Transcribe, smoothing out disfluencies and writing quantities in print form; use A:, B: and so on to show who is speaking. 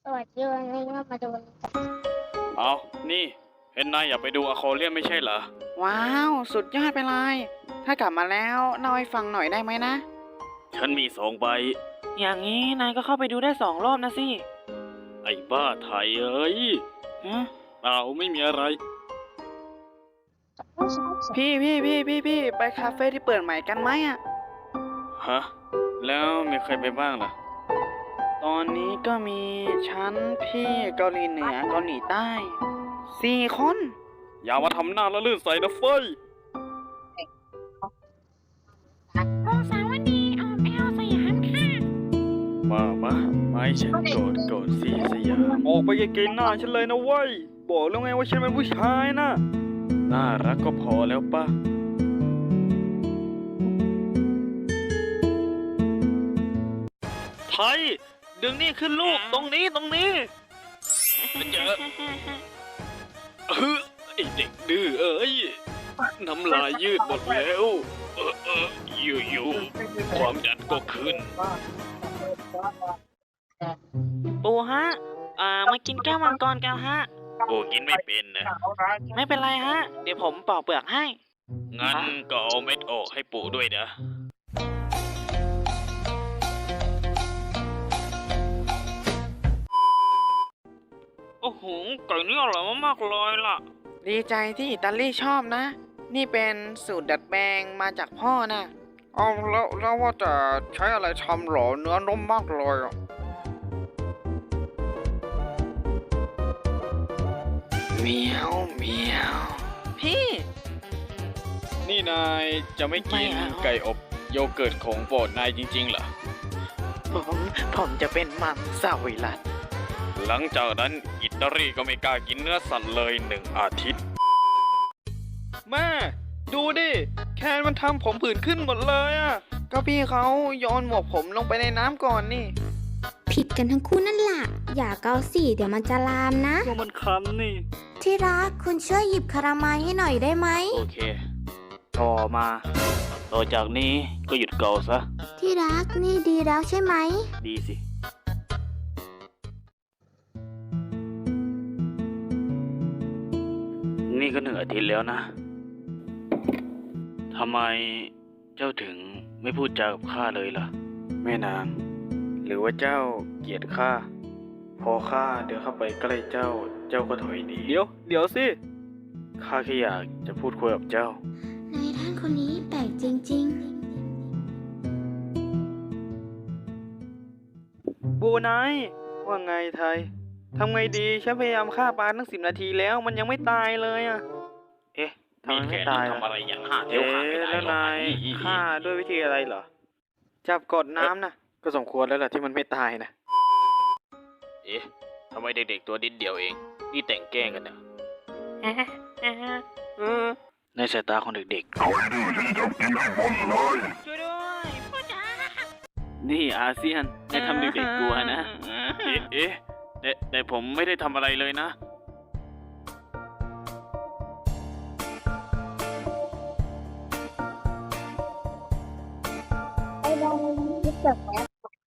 A: สวัสดีวันนี้ก็มาดู
B: เอานี่เห็นนายอยากไปดูอควาเรียมไม่ใช่เหรอ
C: ว้าว สุดยอดไปเลย ถ้ากลับมาแล้วเล่าให้ฟังหน่อยได้ไหมนะ
B: ฉันมี2 ใบ
C: อย่างนี้นายก็เข้าไปดูได้2 รอบนะสิ
B: ไอ้บ้าไทยเอ้ย
C: ฮะ
B: เปล่าไม่มีอะไร
C: พี่ไปคาเฟ่ที่เปิดใหม่กันไหมอ่ะ
B: ฮะ แล้วมีใครไปบ้างล่ะ
C: ตอนนี้ก็มีฉันพี่เกาหลีเหนือเกาหลีใต้4 คน
B: อย่ามาทำหน้าละลื่นใส่นะเฟ้ย
A: องศาวดีออมแอลสยามค่ะ
B: มาให้ฉันโกรธสิสยามออกไปไกลๆหน้าฉันเลยนะเว้ย บอกแล้วไงว่าฉันเป็นผู้ชายนะ น่ารักก็พอแล้วป่ะ ไทย ดึงนี่ขึ้นลูก ตรงนี้เจอไอเด็กดื้อเอ้ย น้ำลายยืดหมดแล้วอยู่ความดันก็ขึ้น
C: ปูฮะ มากินแก้วมังกรกันฮะ
B: โอ้กินไม่เป็นนะ
C: ไม่เป็นไรฮะ เดี๋ยวผมปอกเปลือกให้
B: งั้นก็เอาเม็ดออกให้ปู่ด้วยนะ โอ้โหไก่นี่อร่อยมากๆเลยล่ะ
C: ดีใจที่อิตาลีชอบนะ นี่เป็นสูตรดัดแปลงมาจากพ่อนะเอาแล้วว่าจะใช้อะไรทำหรอเนื้อนุ่มมากเลยอ่ะเมียวพี่
B: นี่นายจะไม่กิน
C: ไม่เอา
B: ไก่อบโยเกิร์ตของโปรดนายจริงๆเหรอ
C: ผมจะเป็นมังสวิรัต
B: หลังจากนั้นอิตาลีก็ไม่กล้ากินเนื้อสัตว์เลย1 อาทิตย์ แม่ ดูดิ แคนมันทำผมผื่นขึ้นหมดเลยอ่ะ
C: ก็พี่เขาโยนหมวกผมลงไปในน้ำก่อนนี่
A: ผิดกันทั้งคู่นั่นแหละอย่าเกาสิเดี๋ยวมันจะลามนะ
B: ก็มันคันนี่
A: ที่รักคุณช่วยหยิบคาราไมล์ให้หน่อยได้ไหม
B: โอเค ต่อมา ต่อจากนี้ก็หยุดเกาซะ
A: ที่รักนี่ดีแล้วใช่ไหม
B: ดีสิ นี่ก็1 อาทิตย์แล้วนะ ทำไมเจ้าถึงไม่พูดจากับข้าเลยล่ะ แม่นาง หรือว่าเจ้าเกลียดข้า พอข้าเดินเข้าไปใกล้เจ้าก็ถอยหนี เดี๋ยวสิ ข้าแค่อยากจะพูดคุยกับเจ้า
A: นายท่านคนนี้แปลกจริง
C: บูไนว่าไงไทย ทำไงดีฉันพยายามฆ่าปลาตั้ง10 นาทีแล้วมันยังไม่ตายเลยอ่ะ เอ๊ะทำไมไม่ตาย
B: ทำอะไรอย่างห้าเท
C: เอ๊
B: วขาดไม่ได้
C: ะแล้ว
B: หรอก
C: นายฆ่าด้วยวิธีอะไรเหรอ จับกดน้ำนะก็สมควรแล้วล่ะที่มันไม่ตายนะ
B: เอ๊ะทำไมเด็กๆตัวนิดเดียวเอง นี่แต่งแกล้งกันเนี่ยในสายตาของเด็ก
C: ช่วยด้วยพ่อจ๋า
B: ๆ นี่อาเซียนได้ทำเด็กๆกลัวนะ เอ๊ะแต่ผมไม่ได้ทำอะไรเลยนะ
A: ๆไอ้บอลนี่เกิดแล้ว